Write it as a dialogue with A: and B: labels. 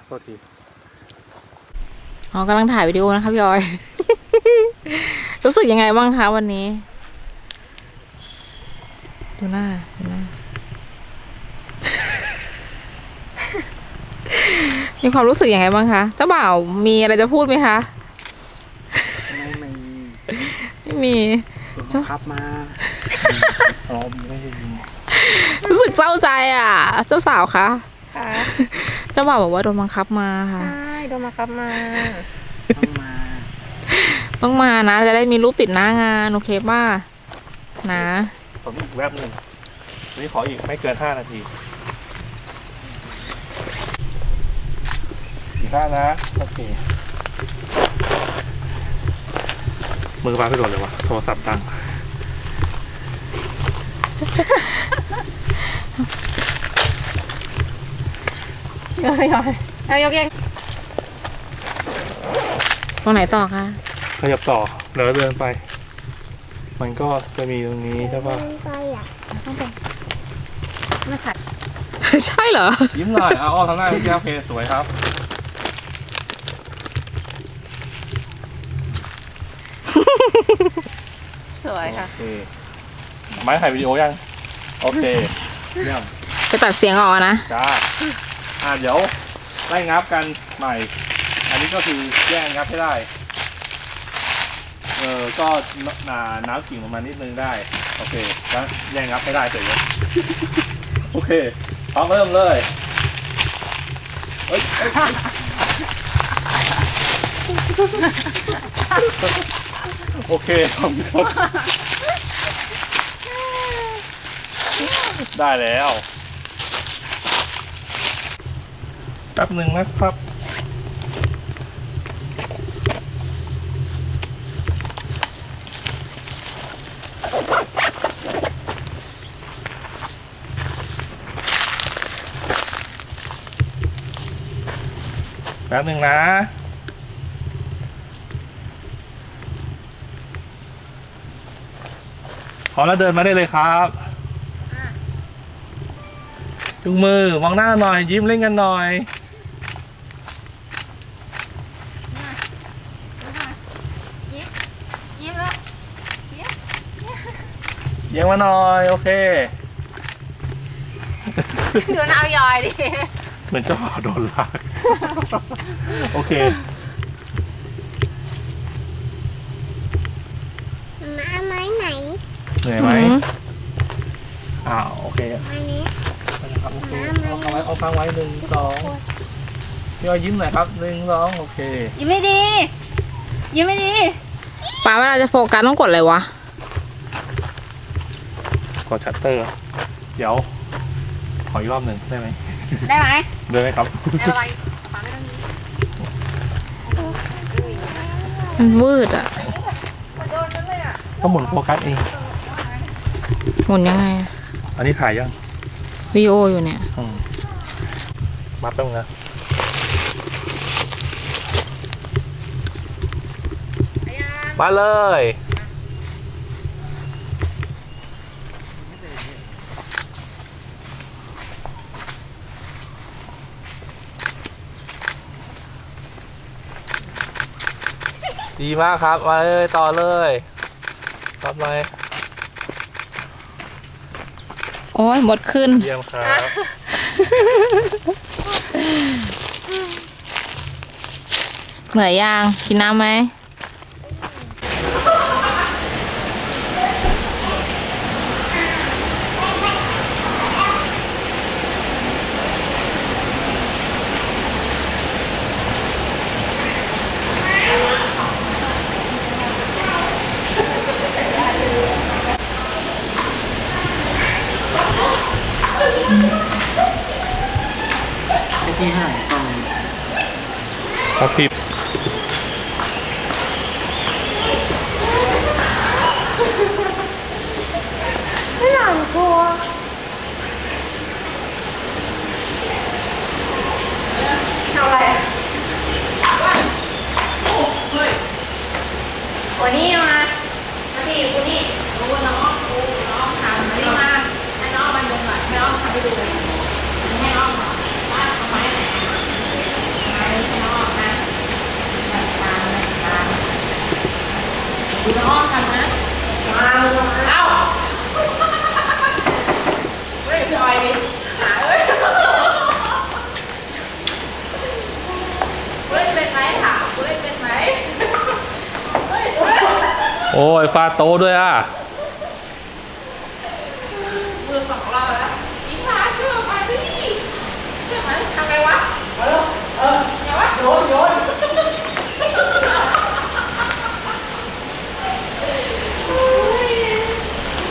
A: โทษที
B: อ๋อกำลังถ่ายวิดีโอนะคะพี่ออย รู้สึกยังไงบ้างคะวันนี้ดูหน้า มีความรู้สึกยังไงบ้างคะเจ้าบ่าวมีอะไรจะพูดไหมคะไม่มี
A: เจ้าครับมาอ๋อไม่ได้ยิน
B: รู้สึกเศร้าใจอ่ะเจ้าสาวคะเจ้าบ่าวบอกว่าโดนบังคับมาค่ะ
C: ใช่โดนบังคับมา
B: ต้องมานะจะได้มีรูปติดหน้างานโอเคป่ะนะ
A: ผมอีกแวบหนึ่งนี่ขออีกไม่เกิน5 นาที15นะโอเคมือฟ้าไปโดนเลยวะโทรศัพท์ตัง
C: เอายกยัง
B: ตรงไหนต่อคะ
A: ขยับต่อเดี๋ยวเดินไปมันก็จะมีตรงนี้ใช่ป่ะ
C: ไม่ขัด
B: ใช่เหรอ
A: ยิ้มหน่อยเอาทำหน้าพี่แก้วโอเคสวยครับ
C: สวยค่ะ
A: โอเคไม้ถ่ายวิดีโอยังโอเคเยี่ยม
B: จะตัดเสียงออกนะ
A: จ้าเดี๋ยวไล่งับกันใหม่อันนี้ก็คือแย่งงับให้ได้ก็น้ำกิ่งลงมานิดนึงได้โอเคแล้วแย่งงับให้ได้เสร็จแล้วโอเคพร้อมเริ่มเลยโอเคผมได้แล้วแป๊บหนึ่งนะครับแป๊บหนึ่งนะพร้อมแล้วเดินมาได้เลยครับจุงมือมองหน้าหน่อยยิ้มเล่นกันหน่อย
C: ยิ้มแล้ว
A: ยิ้มมาหน่อยโอเค
C: ดูหน้ายอยดิ
A: เหมือนเจ้าบ่าวโดนลากโอเค
C: มาไม้ไหน
A: เหนื่อยไหมโอเค
C: ไม้นี้
A: เอาค้างไว้1 2พี่อ้อยยิ้มหน่อยครับ1 2โอเค
C: ยิ้มไม่ดียิ้มไม่ดี
B: ป้าเวลาจะโฟกัสต้องกดอะไรวะ
A: กดชัตเตอร์เดี๋ยวขออีกรอบหนึ่งได้ไหม
C: ได้ไหม
A: ครับ
C: ได้ไหมป้าไม่ต้อง
B: มันวืดอ่ะ
A: ก็หมุนโฟกัสเอง
B: หมุนยังไง
A: อันนี้ถ่ายยัง
B: วิดีโออยู่เนี่ย
A: มาแป๊บนึงนะมาเลยดีมากครับมาเลยต่อเลยรับไหม
B: โอ้ยหมดขึ้น
A: เยี่ยมครับ
B: เหนื่อยยังกินน้ำไหม
A: ที่ห้าครับพี่
C: ไม่หลังกลัวทำอะไรวันนี้มาที่คุณนี่รู้น้องทำวันนี้มาให้น้องมันดูหน่อยให้น้องทำไปดูให้น้องว่าทำไมไหน
B: ดูน้องอ้อมทำนะเอ้าเฮ้ยพี่ออยดิหาเอ้ยเล่นเป็นไหมถามกูเล่นเป็นไหมเฮ้ย
A: โอ้ยฟาโตด้วยอ่ะ
B: มือ2 รอบแล้วอีกขาเชื่อไปดิเชื่อไหมทำไงวะ